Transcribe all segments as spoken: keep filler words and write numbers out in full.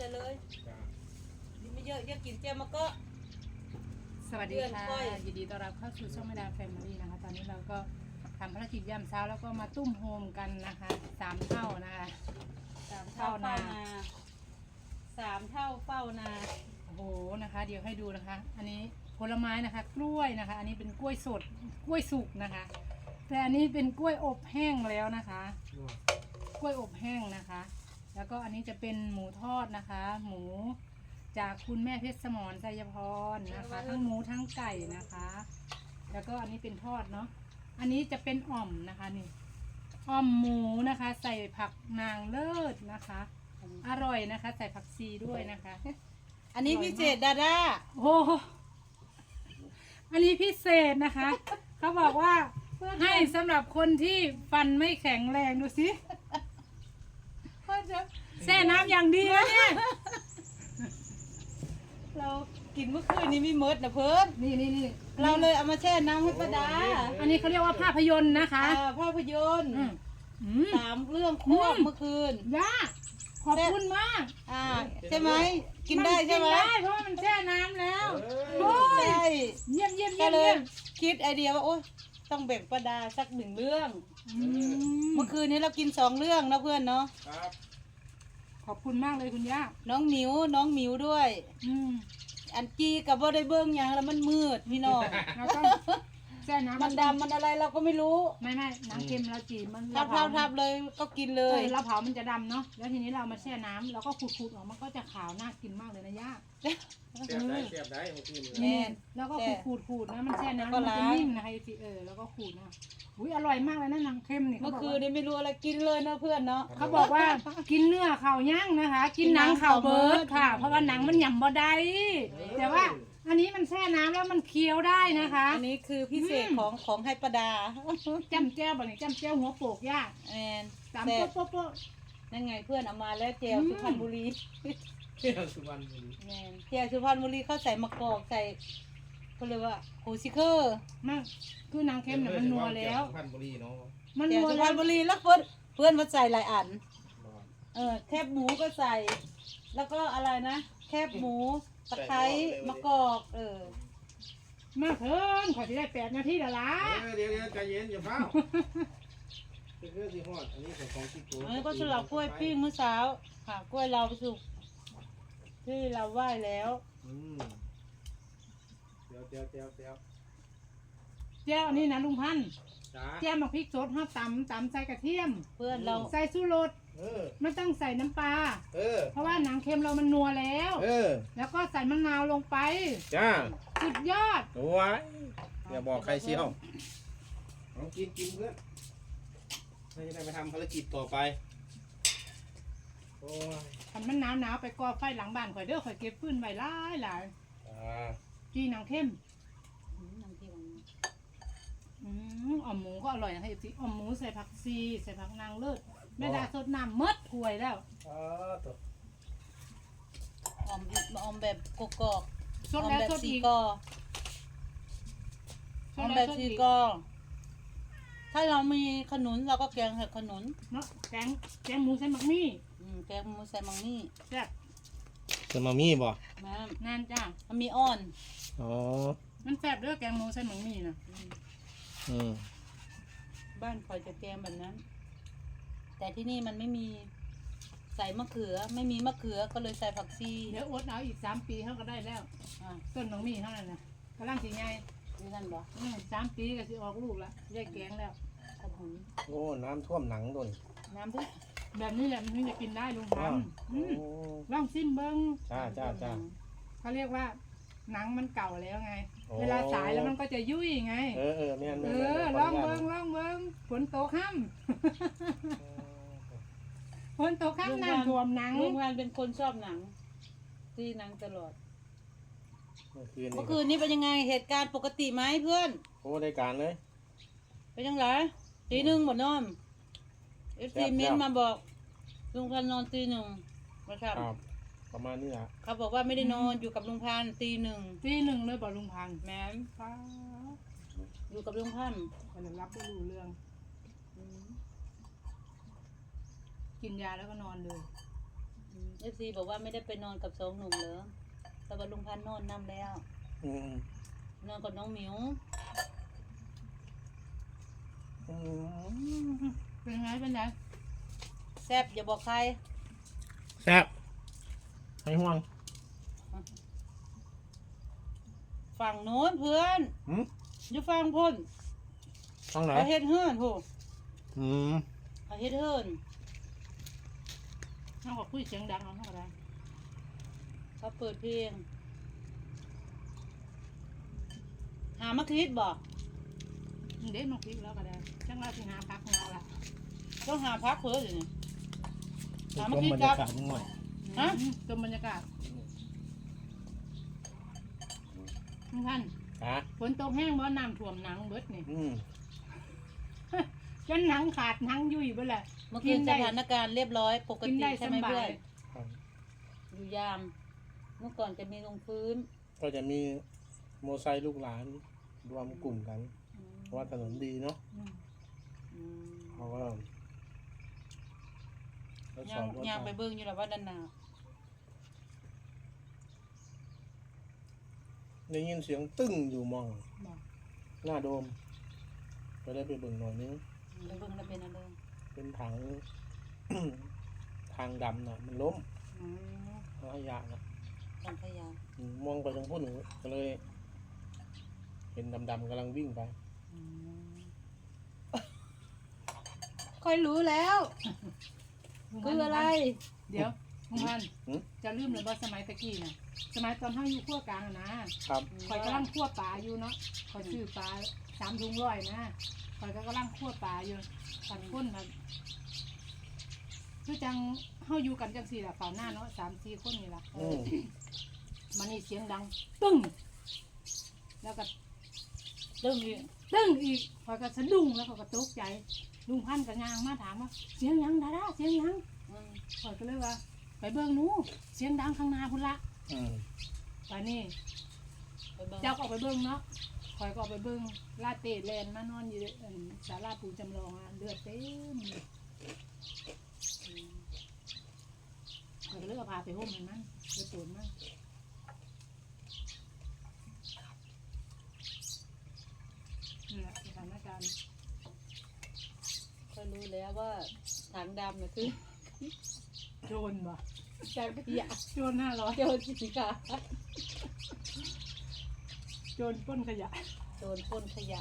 ส่เลยกินไม่เยอะเยอะกินเจียวมาก็สวัสดีค่ะยินดีต้อนรับเข้าสู่ช่องแม่ดาแฟมิลี่นะคะตอนนี้เราก็ทำภารกิจยามเช้าแล้วก็มาตุ้มโฮมกันนะคะสามเท่านะคะสามเท่าเฝ้านาสามเท่าเฝ้านาโอ้โหนะคะเดี๋ยวให้ดูนะคะอันนี้ผลไม้นะคะกล้วยนะคะอันนี้เป็นกล้วยสดกล้วยสุกนะคะแต่อันนี้เป็นกล้วยอบแห้งแล้วนะคะกล้วยอบแห้งนะคะแล้วก็อันนี้จะเป็นหมูทอดนะคะ หมูจากคุณแม่เพชรสมรไสยพรนะคะทั้งหมูทั้งไก่นะคะแล้วก็อันนี้เป็นทอดเนาะอันนี้จะเป็นอ่อมนะคะนี่อ่อมหมูนะคะใส่ผักนางเลิศนะคะอร่อยนะคะใส่ผักชีด้วยนะคะอันนี้พิเศษดาด้าโอ้อันนี้พิเศษนะคะเขาบอกว่าให้สำหรับคนที่ฟันไม่แข็งแรงดูสิแช่น้ำอย่างดีนะเนี่ยเรากินเมื่อคืนนี้มีมดนะเพิ่นนี่นี่นี่เราเลยเอามาแช่น้ำให้ป้าดาอันนี้เขาเรียกว่าภาพยนตร์นะคะภาพยนตร์สามเรื่องควบเมื่อคืนย่าขอบคุณมากอ่าใช่ไหมกินได้ใช่ไหมได้เพราะมันแช่น้ำแล้วใช่เยี่ยมเยี่ยมเยี่ยมเลยคิดไอเดียว่าโอ๊ยต้องแบ่งป้าดาสักหนึ่งเรื่องเมื่อคืนนี้เรากินสองเรื่องนะเพื่อนเนาะขอบคุณมากเลยคุณย่าน้องหมิวน้องหมิวด้วยอันจีกับว่าได้เบิ้งอย่างแล้วมันมืดพี่น้องแล้วก็แช่น้ำมันดำมันอะไรเราก็ไม่รู้ไม่ไม่น้ำเค็มเราจีมันทับทับทับเลยก็กินเลยเราเผามันจะดำเนาะแล้วทีนี้เรามาแช่น้ำเราก็ขูดๆออกมันก็จะขาวน่ากินมากเลยนะย่าเสียบได้เสียบได้เมื่อคืนนี่แล้วก็ขูดขูดนะมันแช่น้ำมันจะนิ่มนะคะทีเออแล้วก็ขูดนะอุ้ยอร่อยมากเลยนะน้ำเค็มนี่เมื่อคืนนี้ไม่รู้อะไรกินเลยนะเพื่อนเนาะเขาบอกว่ากินเนื้อข่าย่างนะคะกินหนังข่าเบิร์ดค่ะเพราะว่าหนังมันหย่ำบ่ได้แต่ว่าอันนี้มันแช่น้ำแล้วมันเคี้ยวได้นะคะอันนี้คือพิเศษของของให้ประดาจ้ำแจ้วแบบนี้จ้ำแจ้วหัวโปกย่าแอนสามโป๊ะโป๊ะโป๊ะนั่นไงเพื่อนเอามาแล้วเจลสุพรรณบุรีเที่ยวสุพรรณบุรีแมนเจลสุพรรณบุรีเขาใส่มะกอกใส่เขาเรียกว่าโฮซิเคอร์มันคือน้ำเค็มเนี่ยมันนัวแล้วสุพรรณบุรีเนาะมันนัวสุพรรณบุรีแล้วเพื่อนเพื่อนมาใส่หลายอันเออแคบหมูก็ใส่แล้วก็อะไรนะแคบหมูตะไคร้มะกอกเออมาเพิ่นขอที่ได้แปดนาทีเดี๋ยวละเดี๋ยวเดี๋ยวใจเย็นอย่าเฝ้าเป็นเรื่องที่ฮอดอันนี้ของของที่โกอันนี้ก็สลับกล้วยปิ้งเมื่อเช้าค่ะกล้วยเราสุกที่เราไหว้แล้วอืมเดี๋ยวเดี๋ยวเดี๋ยวเดี๋ยวแจ้วนี่นะลุงพันธุ์แจ้วมาพริกสดห้าตำตำใส่กระเทียมเพื่อนเราใส่ชูรสไม่ต้องใส่น้ำปลาเพราะว่าหนังเค็มเรามันนัวแล้วแล้วก็ใส่มะนาวลงไปจ้าสุดยอดโอ้ยอย่าบอกใครเชียวลองกินกินเพื่อนไม่ได้ไปทำภารกิจต่อไปโอ้ยทำมันหนาวหนาวไปก่อไฟหลังบ้านข่อยเด้อข่อยเก็บฟืนไว้หลายหลายจีหนังเค็มอืมอ่อมหมูก็อร่อยนะคะอีกอ่อมหมูใส่ผักชีใส่ผักนางเลิศแม่ดาสดน้ำมดถ้วยแล้วอ๋อตัวออมออมแบบกกอกสดแล้วสดอีกออมแบบสีกอถ้าเรามีขนุนเราก็แกงเห็ดขนุนเนาะแกงแกงหมูใส่มักมี่อืมแกงหมูใส่มักมี่แซ่บใส่มักมี่บ่แม่นั่นจ้ามันมีอ่อนอ๋อมันแซ่บด้วยแกงหมูใส่มักมี่นะอืมบ้านคอยจะแกงแบบนั้นแต่ที่นี่มันไม่มีใส่มะเขือไม่มีมะเขือก็เลยใส่ผักชีเดี๋ยวอดเอาอีกสามปีเขาก็ได้แล้วต้นมักมี่เท่านั้นนะกำลังสีใหญ่นี่นั่นบ่สามปีก็สิออกลูกละได้แกงแล้วโอ้น้ำท่วมหนังด้วยน้ำด้วยแบบนี้แหละมันถึงจะกินได้ลุงพันธุ์ลองซิมเบิ้งจ้าจ้าจ้าเขาเรียกว่าหนังมันเก่าแล้วไงเวลาสายแล้วมันก็จะยุ่ยไงเออเออแม่นเออลองเบิ้งลองเบิ้งฝนตกค่ำฝนตกค่ำน้ำท่วมหนังลุงพันธุ์เป็นคนชอบหนังตีหนังตลอดเมื่อคืนเมื่อคืนนี้เป็นยังไงเหตุการณ์ปกติไหมเพื่อนโอ้ได้การเลยเป็นยังไงตีหนึ่งหมดนอนเอฟซีเมนมาบอกลุงพันธุ์นอนตีหนึ่งนะครับประมาณนี้แหละเขาบอกว่าไม่ได้นอนอยู่กับลุงพันธุ์ตีหนึ่งตีหนึ่งเลยบอกลุงพันธุ์แม่อยู่กับลุงพันธุ์มันรับไม่รู้เรื่องกินยาแล้วก็นอนเลยเออฟซีบอกว่าไม่ได้ไปนอนกับสองหนุ่มเหรอแต่ว่าลุงพันธุ์นอนนํแล้วอืมนอนกับน้องหมิวอืมเป็นไงเป็นไงแซ่บอย่าบอกใครแซ่บไม่ห่วงฝั่งโน้นเพื่อนหืมอยู่ฝั่งพุ่นต้องไหนเขาเฮ็ดเฮือนโหอืมเขาเฮ็ดเฮือนน้องก็คุยเสียงดังเอาเท่าไหร่เขาเปิดเพลงหามาคิดบอกเด็กมาคุยแล้วก็ได้จังเราสิหาพักของเราละต้องหาพักเพื่ออยู่นี่ชหามมาคิดบรรกัยาบกาศนิดหน่อยฮะอืมชมบรรยากาศทุกท่านฮะฝนตกแห้งบ่น้ำท่วมหนังเบิดนี่อืมจนหนังขาดหนังยุ่ยเบิดแหละเมื่อคืนสถานการณ์เรียบร้อยปกกินติได้สใช่ไหมบาเพื่อย นครับอยู่ยาม เมื่อก่อนจะมีลงพื้นก็จะมีโมไซค์ลูกหลานรวมกลุ่มกันอืมเพราะว่าถนนดีเนาะอืมอืมเขาก็ทดสย่าอง บรถย่างไปไฟเบิ่งอยู่แล้วว่าด้านหน้าได้ยินเสียงตึ้งอยู่มองบอกหน้าโดมก็ได้ไปเบิ่งหน่อยนึงไปเบิ่งแล้วเป็นอะไรเป็นถัง ทางดำน่ะ มันล้มอืมขยะนะทางขยะอืมมองไปทางพุ่นก็เลย เห็นดำๆกำลังวิ่งไปอืมค่อยรู้แล้ว คืออะไรเดี๋ยวลุงพันธุ์หืมจะลืมเลยว่าสมัยตะกี้น่ะ สมัยตอนเฮาอยู่ขั้วกลางน่ะนะครับ ข่อยกำลังคั่วปลาอยู่เนาะข่อยซื้อปลาสามถุงร้อยนะข่อยก็กำลังคั่วปลาอยู่ตันก้นครับคือจังเฮาอยู่กันจังสี่ล่ะฝ่าหน้าเนาะสามสี่คนนี่ล่ะอืมมันนี่เสียงดังตึ้งแล้วก็เรื่องนี้ตึ้งอีกข่อยก็สะดุ้งแล้วข่อยก็ตกใจลุงพันธุ์ก็ย่างมาถามว่าเสียงหยังดาดาเสียงหยังอืมข่อยก็เลยว่าไปเบิ่งหนูเสียงดังข้างหน้าพุ่นละอืมไปนี่ไปเบิ่งเจ้าก็ออกไปเบิ่งเนาะข่อยก็ออกไปเบิ่งลาเตะแลนมานอนอยู่เอิ่นศาลาปู่จำลองอะเลือดเต็มอืมข่อยก็เลยเอาพาไปห่มให้มันไปตูนมันนี่แหละสถานการณ์ค่อยรู้แล้วว่าถังดำน่ะคือโจรบ่จากขยะโจรห้าร้อยโจรสิกาโจรปล้นขยะโจรปล้นขยะ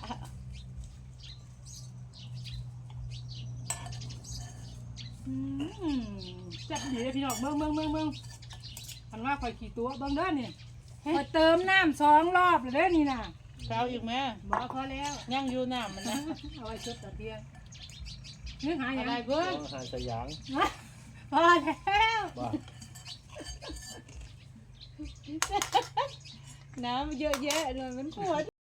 อืมจับดีเลยพี่น้องเบิ่งเบิ่งเบิ่งเบิ่งพันว่าข่อยขี่ตัวเบิ่งเด้อนี่ข่อยเติมน้ำสองรอบเลยเด้อนี่น่ะเช้าอีกไหมบอกพอแล้วย่างอยู่น้ำมันนะเอาไว้ชุดตะเทียงนึกหาอย่างอะไรเพื่อนอาหารสยามพอแล้วว่าน้ำเยอะแยะเลยมันปวด